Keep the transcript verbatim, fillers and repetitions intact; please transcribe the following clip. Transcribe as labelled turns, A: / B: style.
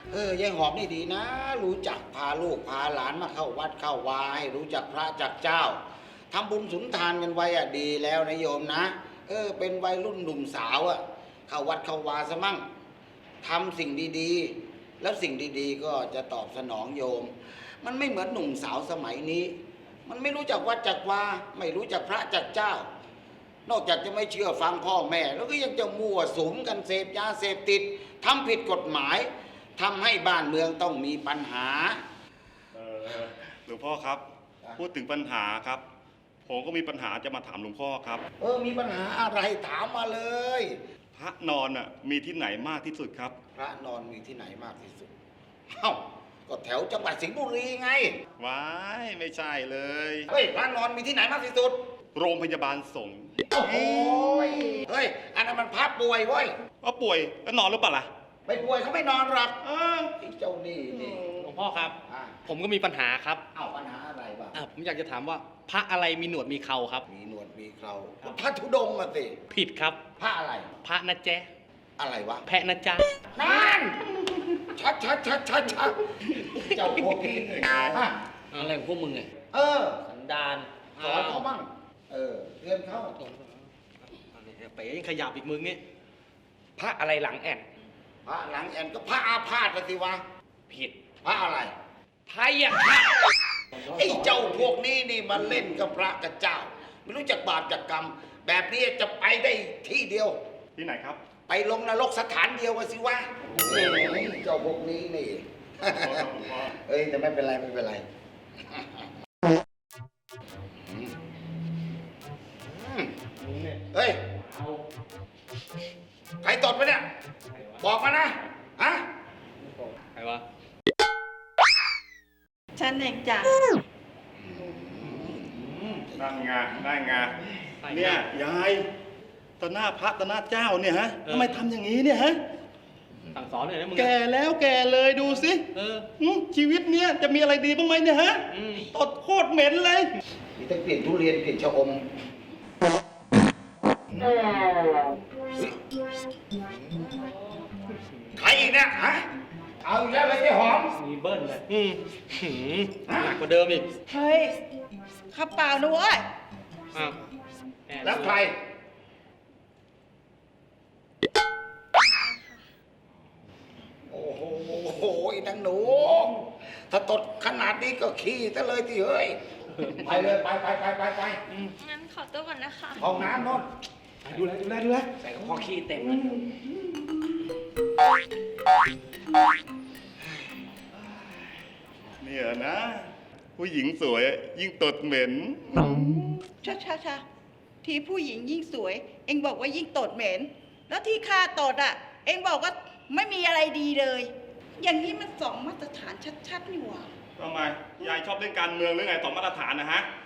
A: เออยายหอมนี่ดีนะ รู้จักพาลูกพาหลานมาเข้าวัดเข้าวาให้รู้จักพระจักเจ้าทำบุญสุนทานกันไว้อะดีแล้วนะโยมนะเออเป็นวัยรุ่นหนุ่มสาวอะเข้าวัดเข้าวาซะมั่งทำสิ่งดีๆแล้วสิ่งดีๆก็จะตอบสนองโยมมันไม่เหมือนหนุ่มสาวสมัยนี้มันไม่รู้จักวัดจักวาไม่รู้จักพระจักเจ้านอกจากจะไม่เชื่อฟังพ่อแม่แล้วก็ยังจะมั่วสุมกันเสพยาเสพติดทำผิดกฎหมายทำให้บ้านเมืองต้องมีปัญหา
B: เออหลวงพ่อครับพูดถึงปัญหาครับผมก็มีปัญหาจะมาถามหลวงพ่อครับ
A: เออมีปัญหาอะไรถามมาเลย
B: พระนอนอ่ะมีที่ไหนมากที่สุดครับ
A: พระนอนมีที่ไหนมากที่สุดเอ้าก็แถวจังหวัดสิงห์บุรีไง
B: ว้ายไม่ใช่เลย
A: เฮ้ยพระนอนมีที่ไหนมากที่สุด
B: โรงพยาบาลสงฆ์
A: โอ้โหเฮ้ยอันนั้นมันพระป่วยเว้ย
B: ว่าป่วยแล้วนอนหรือเปล่าล่ะ
A: ไม่ป่วยเขาไม่นอนหรอกเออไอ้เจ้านี่นี่
C: หลวงพ่อครับผมก็มีปัญหาครับ
A: เอ้าปัญหาอะไรบ้าง
C: ผมอยากจะถามว่าพระอะไรมีหนวดมีเคราครับ
A: มีหนวดมีเคราพระธุดงค์มาสิ
C: ผิดครับ
A: พระอะไร
C: พระนะแจ๊
A: อะไรวะ
C: แพะนะจ๊ะ
A: นั่นชัดชัดชัดชัดชัดเจ้าพวกนี้
C: อะไรของพวกมึงไง
A: เออ
C: สันดาน
A: สอนเขาบ้างเออเรียนเขา
C: เป๋ยังขยับอีกมึงเนี่ยพระอะไรหลังแอน
A: พระหลังแอนก็พระอาพาธสิวะ
C: ผิด
A: พระอะไร
C: พยา
A: ไอ้เจ้าพวกนี้นี่มันเล่นกับพระกับเจ้าไม่รู้จักบาปจักกรรมแบบนี้จะไปได้ที่เดียว
B: ที่ไหนครับ
A: ไปลงนรกสถานเดียวกันสิวะเจ้าพวกนี้นี่เอ้ยแต่ไม่เป็นไรไม่เป็นไรเฮ้ยใครตดไปเนี่ยบอกมานะฮะ
C: ใครวะ
D: ฉันเองจ้ะ
B: นั่นไงนั่นไงเนี่ยยายต่อหน้าพระต่อหน้าเจ้าเนี่ยฮะทำไมทำอย่างนี้เนี่ยฮะ
C: สั่งสอนเลยนะมึง
B: แก่แล้วแก่เลยดูสิชีวิตเนี้ยจะมีอะไรดีบ้างไหมเนี่ยฮะตดโคตรเหม็นเลย
A: มีทั้งกลิ่นทุเรียนกลิ่นชะอมใครอีกเนี่ยฮะเอาอีกแล้วเลยไอ้หอม
C: มีเบิ้ลเลยอืมหนักกว่าเดิมอีก
D: เฮ้ยข้าเปล่านะเว้ย
C: อ้าว
A: แล้วใครโอ้โหโอ้ยนางหนูถ้าตดขนาดนี้ก็ขี้ซะเลยที่เฮ้ยไปเลยไปไปไปไปไป
E: งั้นขอตัวก่อนนะคะ
A: ห้องน้ำโน่น
C: ดูแลดูแลดูแลใส่กระเพาะขี้เต็ม
B: เนี่ยนะผู้หญิงสวยยิ่งตดเหม็น
D: ช้าช้าช้าที่ผู้หญิงยิ่งสวยเอ็งบอกว่ายิ่งตดเหม็นแล้วที่ข้าตดอ่ะเอ็งบอกว่าไม่มีอะไรดีเลยอย่างนี้มันสองมาตรฐานชัดๆนี่หว่า
B: ทำไมยายชอบเล่นการเมืองหรือไงสองมาตรฐานนะฮะ